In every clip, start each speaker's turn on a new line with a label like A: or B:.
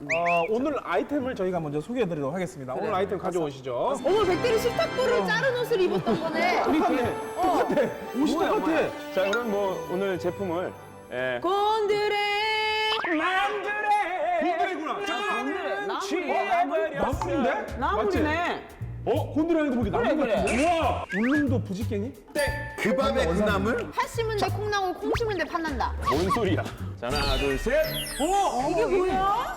A: 오늘 아이템을 저희가 먼저 소개해드리도록 하겠습니다. 오늘 아이템 가져오시죠.
B: 어머, 백대리 식탁보를 자른 옷을 입었던 거네.
A: 똑같아. 옷이 똑같아.
C: 자, 그럼 뭐 오늘 제품을
B: 곤드레
A: 곤드레구나. 잠깐만. 나물인데?
D: 나물이네.
A: 곤드레는 거기 나물
D: 그래.
A: 같은데? 우와! 울릉도 부지깽이?
E: 그 밤의 그 나물?
B: 팥 심은 데 콩나물, 콩 심은 데 팥난다.
C: 뭔 소리야? 자, 하나, 둘, 셋.
B: 이게 뭐야?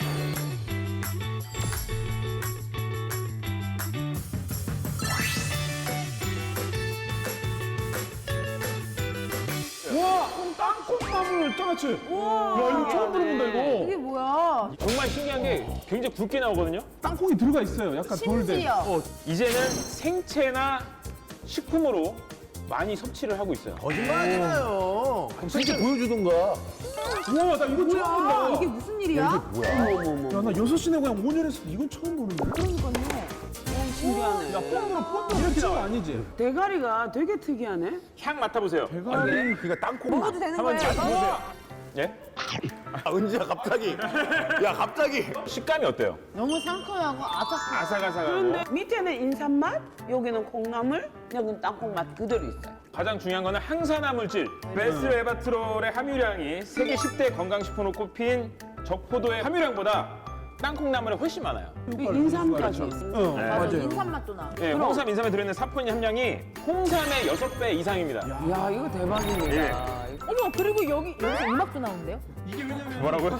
A: 와! 땅콩나물 장아찌! 야, 이거 처음 들어본다,
B: 이게
A: 이거.
B: 뭐야?
C: 정말 신기한 게 굉장히 굵게 나오거든요.
A: 땅콩이 들어가 있어요. 약간 돌된.
B: 심지어.
C: 이제는 생채나 식품으로 많이 섭취를 하고 있어요.
E: 거짓말하잖아요. 진짜 보여주던가.
A: 우와, 나 이거 처음 본다.
B: 이게 무슨 일이야?
A: 야, 나 6시내 그냥 5년에서 이건 처음 보는데?
D: 신기하네.
A: 야, 뽕으로 이렇게 나와. 아니지?
D: 대가리가 되게 특이하네.
C: 향 맡아보세요.
A: 대가리.
E: 그러니까 땅콩.
B: 먹어도 되는
C: 한번 잘
B: 거예요?
C: 보세요. 예?
E: 은지야 갑자기. 야 갑자기.
C: 식감이 어때요?
B: 너무 상큼하고 아삭해.
C: 아삭아삭하고.
D: 그런데 밑에는 인삼맛, 여기는 콩나물, 여기는 땅콩맛 그대로 있어요.
C: 가장 중요한 거는 항산화물질. 베스레바트롤의 함유량이 세계 10대 건강식품으로 꼽힌 적포도의 함유량보다 땅콩나물에 훨씬 많아요.
D: 인삼까지 있습니다.
B: 맞아, 인삼 맛도 나.
C: 예, 홍삼, 인삼에 들어있는 사포닌 함량이 홍삼의 6배 이상입니다.
D: 야, 이거 대박입니다.
C: 예.
B: 어머, 그리고 여기서 음악도 나오는데요?
C: 뭐라고요?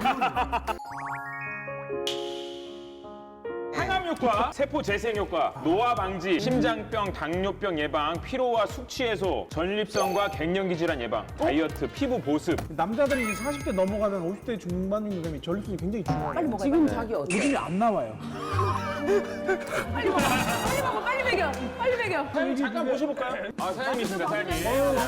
C: 항암 효과, 세포 재생 효과, 노화 방지, 심장병, 당뇨병 예방, 피로와 숙취 해소, 전립선과 갱년기 질환 예방, 다이어트, 피부 보습.
A: 남자들이 이제 40대 넘어가면 50대 중반이 되면 전립선이 굉장히 중요해요.
B: 빨리 먹어요.
D: 지금 자기 어때?
A: 요즘에 안 나와요.
B: 빨리 먹어. 빨리 먹어. 빨리 먹여. 빨리 먹여.
C: 사장님 잠깐 모셔볼까요? 아, 사장님이십니다, 사장님.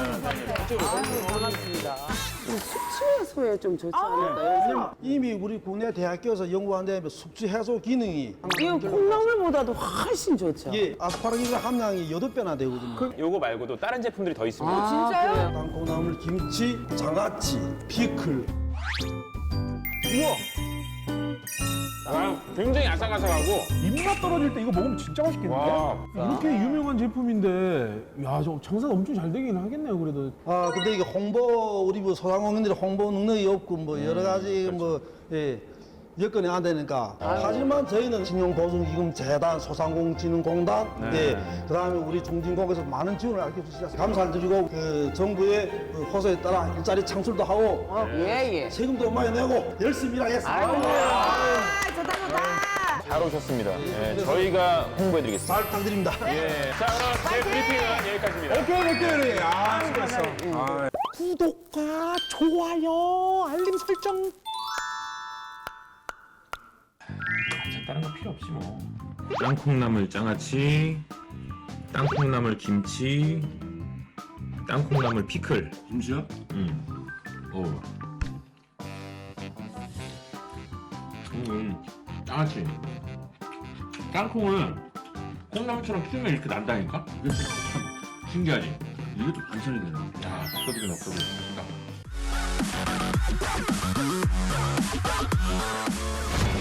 D: 반갑습니다. 숙취 해소에 좀 좋지 않을까요?
F: 이미 우리 국내 대학교에서 연구한 데 숙취 해소 기능이
D: 이거 콩나물보다도 훨씬 좋죠.
F: 예, 아스파라기스 함량이 8배나 되거든요.
C: 요거 말고도 다른 제품들이 더 있습니다.
B: 진짜요?
F: 땅콩나물, 김치, 장아찌, 피클.
C: 아, 굉장히 아삭아삭하고.
A: 입맛 떨어질 때 이거 먹으면 진짜 맛있겠는데?
C: 와.
A: 이렇게 유명한 제품인데, 야, 저 장사가 엄청 잘 되긴 하겠네요, 그래도.
F: 아, 근데 이게 우리 뭐 소상공인들이 홍보 능력이 없고 뭐 여러 가지 뭐, 예, 여건이 안 되니까. 하지만 저희는 신용보증기금재단, 소상공인진흥공단, 예, 그 다음에 우리 중진국에서 많은 지원을 알려주셔서 감사를 드리고, 그 정부의 그 호소에 따라 일자리 창출도 하고,
D: 예.
F: 세금도 많이 내고 열심히 일하겠습니다.
B: 아, 좋다, 좋다.
C: 잘 오셨습니다. 예, 저희가 홍보해드리겠습니다.
F: 잘 부탁드립니다.
C: 예, 자, 그럼 제 브리핑은 여기까지입니다.
A: 오케이. 아, 수고했어. 구독과 좋아요, 알림 설정.
G: 다른 거 필요 없지 뭐. 땅콩나물 장아찌, 땅콩나물 김치, 땅콩나물 피클.
E: 김치요?
G: 응. 장아찌. 땅콩은 콩나물처럼 튀면 이렇게 난다니까? 이게 참 신기하지? 이게 또 반찬이 되네. 야, 없어지긴 없어지긴.